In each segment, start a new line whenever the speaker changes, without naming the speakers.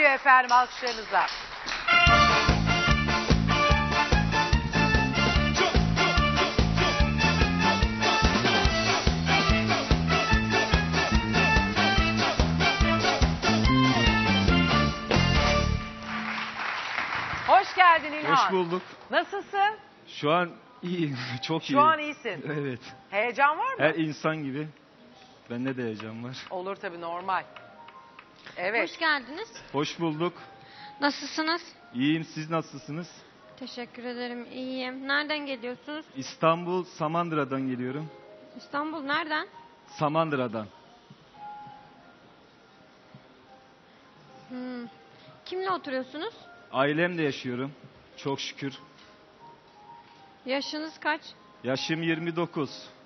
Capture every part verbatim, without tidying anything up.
geliyor efendim alkışlarınızla. Hoş geldin İlhan.
Hoş bulduk.
Nasılsın?
Şu an iyiyim, çok iyi.
Şu an iyisin.
Evet.
Heyecan var mı?
Her insan gibi. Bende de heyecan var.
Olur tabii, normal. Evet.
Hoş geldiniz.
Hoş bulduk.
Nasılsınız?
İyiyim, siz nasılsınız?
Teşekkür ederim. İyiyim. Nereden geliyorsunuz?
İstanbul, Samandıra'dan geliyorum.
İstanbul nereden?
Samandıra'dan.
Hmm. Kimle oturuyorsunuz?
Ailemle yaşıyorum. Çok şükür.
Yaşınız kaç?
Yaşım yirmi dokuz.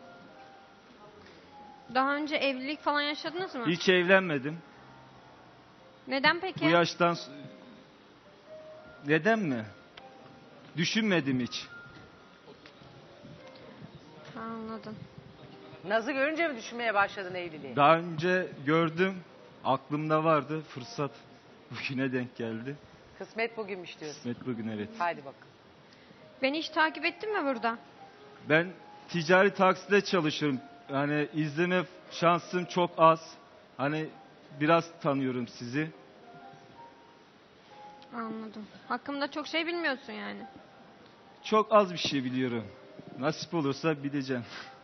Daha önce evlilik falan yaşadınız mı?
Hiç evlenmedim.
Neden peki?
Bu yaştan... s- Neden mi? Düşünmedim hiç.
Anladım.
Naz'ı görünce mi düşünmeye başladın evliliği?
Daha önce gördüm. Aklımda vardı. Fırsat bugüne denk geldi.
Kısmet bugünmüş diyorsun.
Kısmet bugün, evet.
Haydi bak.
Beni hiç takip ettin mi burada?
Ben ticari takside çalışıyorum. Yani izleme şansım çok az. Hani biraz tanıyorum sizi.
Anladım. Hakkımda çok şey bilmiyorsun yani.
Çok az bir şey biliyorum. Nasip olursa bileceğim.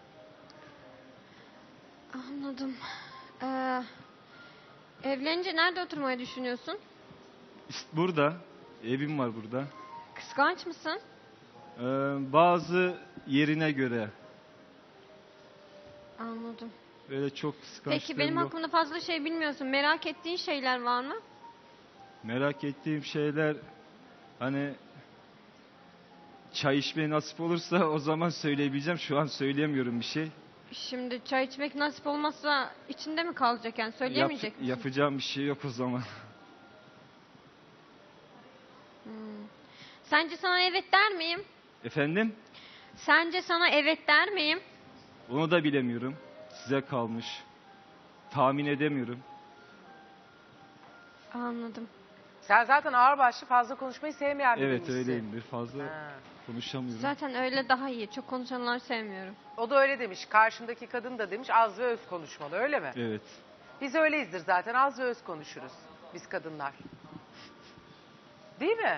Anladım. Ee, evlenince nerede oturmayı düşünüyorsun?
İşte burada, evim var burada.
Kıskanç mısın?
Ee, bazı yerine göre.
Anladım.
Böyle çok kıskançlığım
Peki benim
yok.
hakkımda fazla şey bilmiyorsun. Merak ettiğin şeyler var mı?
Merak ettiğim şeyler, hani çay içmeye nasip olursa o zaman söyleyebileceğim. Şu an söyleyemiyorum bir şey.
Şimdi çay içmek nasip olmazsa içinde mi kalacak yani? Söyleyemeyecek
Yap-
misin?
yapacağım bir şey yok o zaman.
Hmm. Sence sana evet der miyim?
Efendim?
Sence sana evet der miyim?
Onu da bilemiyorum. Size kalmış. Tahmin edemiyorum.
Anladım.
Sen zaten ağırbaşlı, fazla konuşmayı sevmeyen
Evet,
biriymişsin.
öyleyimdir. Fazla
Ha.
konuşamıyorum.
Zaten öyle daha iyi. Çok konuşanları sevmiyorum.
O da öyle demiş. Karşımdaki kadın da demiş az ve öz konuşmalı, öyle mi?
Evet.
Biz öyleyizdir zaten, az ve öz konuşuruz. Biz kadınlar. Değil mi?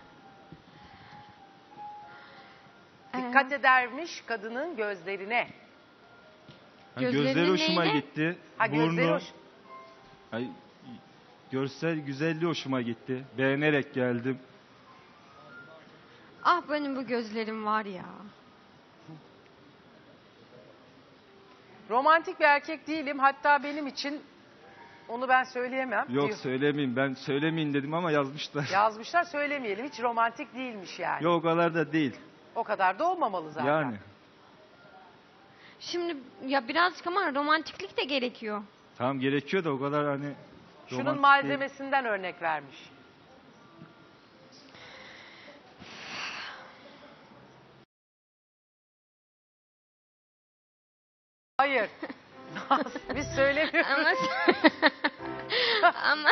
Dikkat
Ee,
edermiş kadının gözlerine.
Ha,
Gözlerinin
gözleri hoşuma
neyine?
gitti.
Ha, gözleri
Burnu.
hoş.
Ay, görsel güzelliği hoşuma gitti. Beğenerek geldim.
ah benim bu gözlerim var ya.
Romantik bir erkek değilim. Hatta benim için onu ben söyleyemem.
Yok
diyor.
söylemeyeyim. Ben söylemeyin dedim ama yazmışlar.
Yazmışlar, söylemeyelim. Hiç romantik değilmiş yani.
Yok, o kadar da değil.
O kadar da olmamalı zaten.
Yani.
Şimdi ya birazcık ama romantiklik de gerekiyor.
Tamam, gerekiyor da o kadar hani
Şunun
romantik
malzemesinden örnek vermiş. Hayır. Biz söylemiyoruz.
Ama ama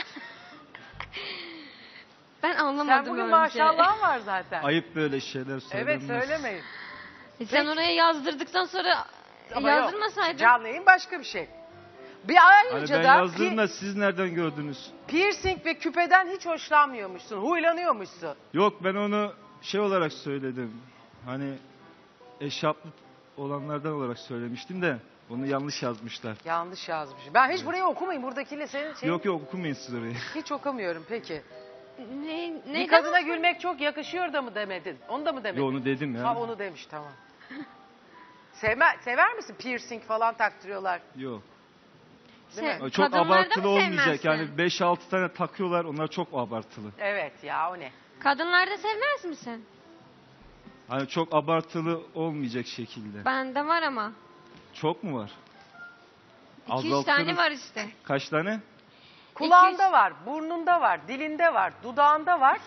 ben anlamadım
Sen bugün
önce.
maşallahın var zaten.
değil. Ayıp böyle şeyler söylenmez.
Evet, söylemeyin.
E sen
Peki.
oraya yazdırdıktan sonra
Ama yok,
yazdırmasaydın.
canlı yayın başka bir şey. Bir
Hani
ayrıca
ben
da
yazdım
pi-
da siz nereden gördünüz?
piercing ve küpeden hiç hoşlanmıyormuşsun. Huylanıyormuşsun.
Yok, ben onu şey olarak söyledim. Hani eşaplı olanlardan olarak söylemiştim de onu yanlış yazmışlar.
Yanlış yazmış. Ben hiç burayı okumayayım. Buradakiyle senin şeyin
Yok yok, okumayın siz orayı.
hiç okumuyorum peki.
Ne,
Bir
neyden
kadına
hoşlan-
gülmek çok yakışıyor da mı demedin? Onu da mı demedin?
Yo, onu dedim ya.
Ha, onu demiş, tamam. Sevme, sever misin piercing falan taktırıyorlar?
Yok.
Değil
Se-
mi?
Çok
Kadınlarda
abartılı
mı
olmayacak.
sevmezsin?
Yani beş altı tane takıyorlar, onlar çok abartılı.
Evet ya, o ne?
Kadınlarda sevmez misin?
Hani çok abartılı olmayacak şekilde.
Bende var ama.
Çok mu var?
İki üç tane var işte.
Kaç tane?
Kulağında
İki-
var, burnunda var, dilinde var, dudağında var.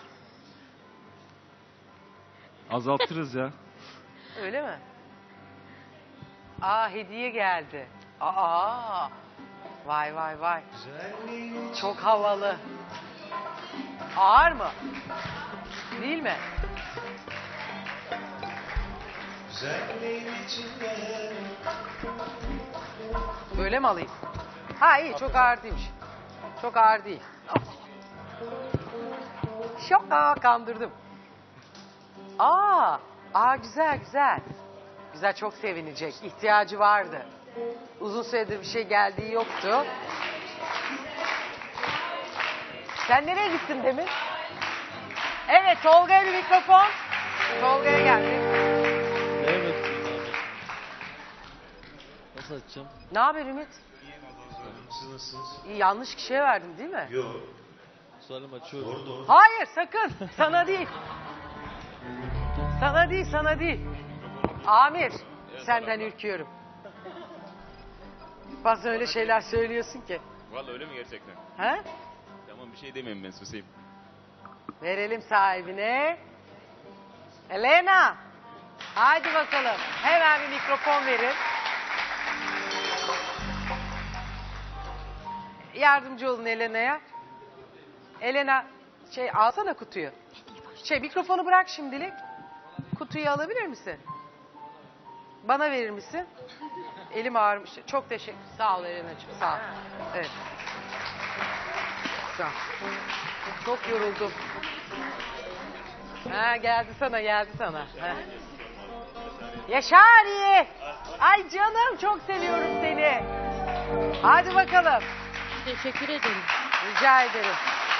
Azaltırız ya.
Öyle mi? Aa, hediye geldi. Aa, vay vay vay. Çok havalı. Ağır mı? Değil mi? Böyle mi alayım? Ha iyi, çok ağır değilmiş. Çok ağır değil. Şoka, kandırdım. Aa, aa güzel güzel. Güzel, çok sevinecek. İhtiyacı vardı. Uzun süredir bir şey geldiği yoktu. Sen nereye gittin demin? Evet, Tolga'ya bir mikrofon. Tolga'ya geldi.
Evet. Nasıl açacağım?
Ne haber Ümit?
Siz nasılsınız?
İyi, yanlış kişiye verdin değil mi?
Yok.
Salim açıyorum.
Doğru doğru.
Hayır, sakın. Sana değil. Sana değil, sana değil. Amir, senden ürküyorum. Bazen öyle şeyler söylüyorsun ki.
Vallahi öyle mi gerçekten?
He?
Tamam bir şey demeyeyim ben susayım.
Verelim sahibine. Elena. Haydi bakalım. Hemen bir mikrofon verin. Yardımcı olun Elena'ya. Elena, şey alsana kutuyu. Şey mikrofonu bırak şimdilik. Kutuyu alabilir misin? Bana verir misin? Elim ağrımış. Çok teşekkür. Sağ ol Elena'cığım. Sağ ol. Evet. Sağ ol. Çok yoruldum. Ha, geldi sana, geldi sana. Ha. Yaşari! Ay canım, çok seviyorum seni. Hadi bakalım.
Teşekkür ederim.
Rica ederim.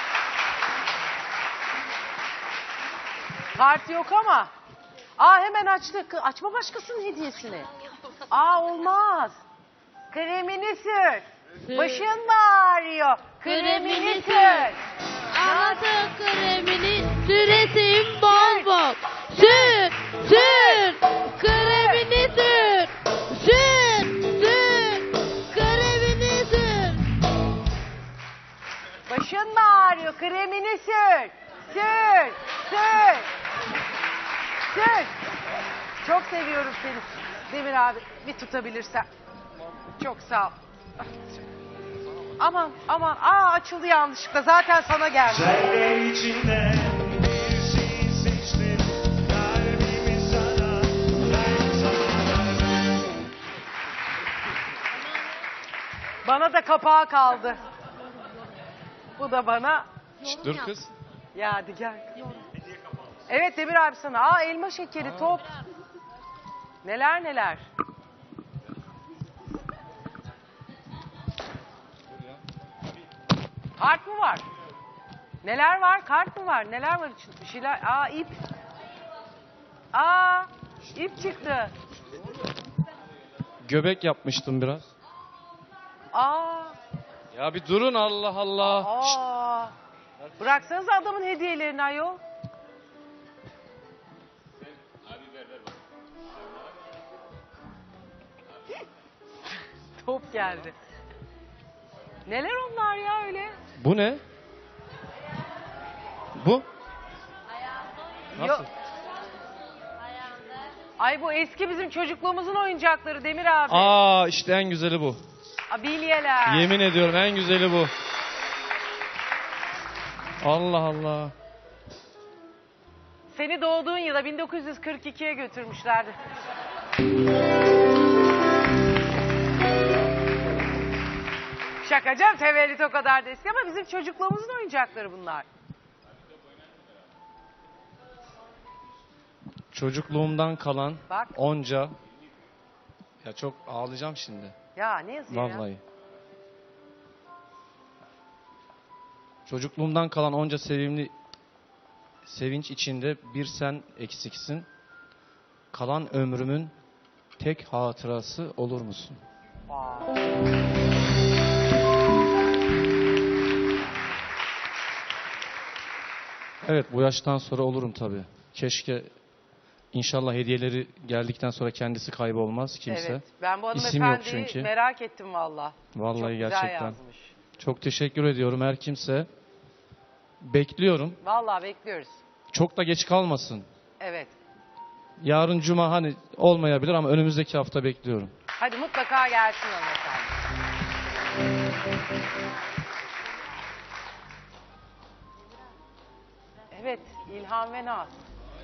Kart yok ama. Aa, hemen açtık. Açma başkasının hediyesini. Aa, olmaz. Kremini sür. Başın mı ağrıyor? Kremini sür.
Anlatın kremini süresim bol bol. Sür, sür, kremini sür. Sür, sür, kremini sür.
Başın mı ağrıyor? Kremini sür. Sür, sür. Sür. Çok seviyorum seni. Demir abi, bir tutabilirsen. Çok sağ ol. Aman, aman. Aa, açıldı yanlışlıkla. Zaten sana geldi.
Zerre içinden bir şey seçtim. Kalbimi sana her zaman verdim.
Bana da kapağı kaldı. Bu da bana.
Şşt, dur kız.
Ya hadi gel. Evet Demir abi sana. Aa, elma şekeri, top. Neler neler. Kart mı var? Neler var? Kart mı var? Neler var içinde? Bir şeyler. Aa, ip. Aa, ip çıktı.
Göbek yapmıştım biraz.
Aa,
Ya bir durun Allah Allah. Şşt,
aa. Bıraksanıza adamın hediyelerini ayol. Top geldi. Neler onlar ya öyle?
bu ne? Bu? Nasıl?
Yok. Ay, bu eski bizim çocukluğumuzun oyuncakları Demir abi.
Aa işte en güzeli bu.
Aa, bilyeler.
Yemin ediyorum en güzeli bu. Allah Allah.
Seni doğduğun yıla bin dokuz yüz kırk ikiye götürmüşlerdi. Şaka canım, tevellüt o kadar da eski ama bizim çocukluğumuzun oyuncakları bunlar.
Çocukluğumdan kalan
Bak.
onca. Ya çok ağlayacağım şimdi.
Ya ne yazıyor ya?
Vallahi. Çocukluğumdan kalan onca sevimli sevinç içinde bir sen eksiksin. Kalan ömrümün tek hatırası olur musun?
Aa.
Evet, bu yaştan sonra olurum tabii. Keşke inşallah hediyeleri geldikten sonra kendisi kaybolmaz kimse.
Evet, ben bu
İsim yok
hanımefendiyi
çünkü.
merak ettim valla.
Vallahi
Çok güzel
gerçekten.
yazmış.
Çok teşekkür ediyorum her kimse. Bekliyorum.
Valla bekliyoruz.
Çok da geç kalmasın.
Evet.
Yarın cuma hani olmayabilir ama önümüzdeki hafta bekliyorum.
Hadi mutlaka gelsin hanımefendi. Evet, İlhan ve Naz.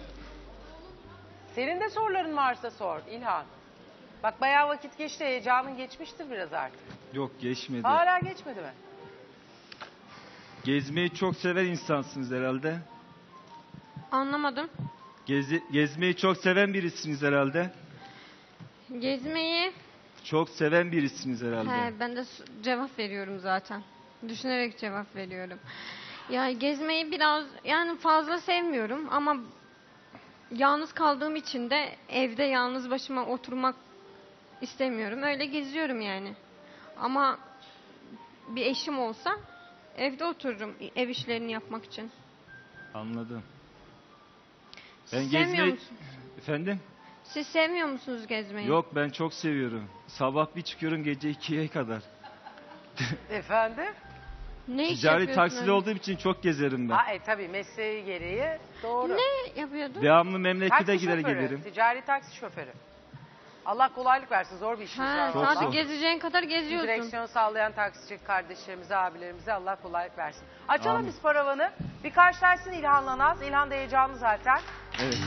Senin de soruların varsa sor İlhan. Bak bayağı vakit geçti, heyecanın geçmiştir biraz artık.
Yok geçmedi.
Hala geçmedi mi?
Gezmeyi çok seven insansınız herhalde.
Anlamadım.
Gezi, gezmeyi çok seven birisiniz herhalde.
Gezmeyi
Çok seven birisiniz herhalde.
he, ben de s- cevap veriyorum zaten. Düşünerek cevap veriyorum. Ya gezmeyi biraz yani fazla sevmiyorum ama yalnız kaldığım için de evde yalnız başıma oturmak istemiyorum. Öyle geziyorum yani. Ama bir eşim olsa evde otururum ev işlerini yapmak için.
Anladım. Ben
Siz sevmiyor
gezmeyi...
musunuz?
Efendim?
Siz sevmiyor musunuz gezmeyi?
Yok ben çok seviyorum. Sabah bir çıkıyorum gece ikiye kadar.
Efendim?
Ne iş
Ticari
yapıyorsun
taksili
öyle?
olduğum için çok gezerim ben.
Ha, e, tabii mesleği gereği doğru.
Ne yapıyordun?
Devamlı memlekete
Taksi
gider
şoförü,
gelirim.
ticari taksi şoförü. Allah kolaylık versin, zor bir işiniz
Ha,
var.
Çok
sadece
zor.
gezeceğin kadar geziyorsun.
Direksiyon sağlayan taksici kardeşlerimize, abilerimize Allah kolaylık versin. Açalım
Amin.
biz paravanı. Bir karşılaşsın İlhan'la Naz. İlhan da heyecanlı zaten.
Evet.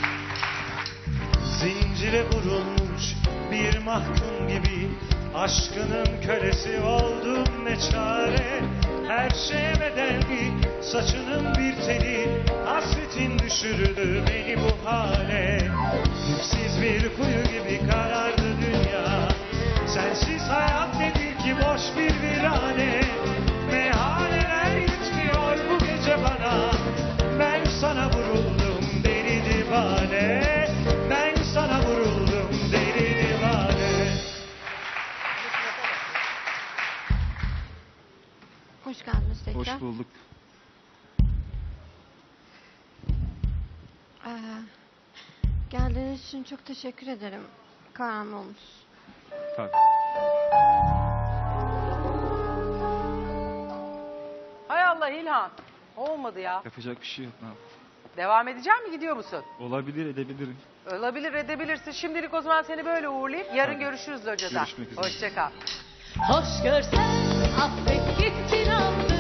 Zincire vurulmuş bir mahkum gibi aşkının kölesi oldum ne çare. Her şeye bedelli saçının bir teli, hasretin düşürdü beni bu hale. Dipsiz bir kuyu gibi karardı dünya, sensiz hayat nedir ki boş bir virane. Meyhaneler yetmiyor bu gece bana, ben sana vuruldum deli divane. Ben sana vuruldum deli divane.
Hoş geldiniz tekrar.
Hoş bulduk.
Ee, geldiğiniz için çok teşekkür ederim. Kahraman olmuş.
Tabii.
Hay Allah İlhan. Olmadı ya.
Yapacak bir şey yok. Ne yapayım?
Devam edecek mi, gidiyor musun?
Olabilir edebilirim.
Olabilir, edebilirsin. Şimdilik o zaman seni böyle uğurlayıp yarın
Tabii.
görüşürüz hocada.
Görüşmek üzere.
Hoşça kal.
Hoş görsen affet gittin aldı.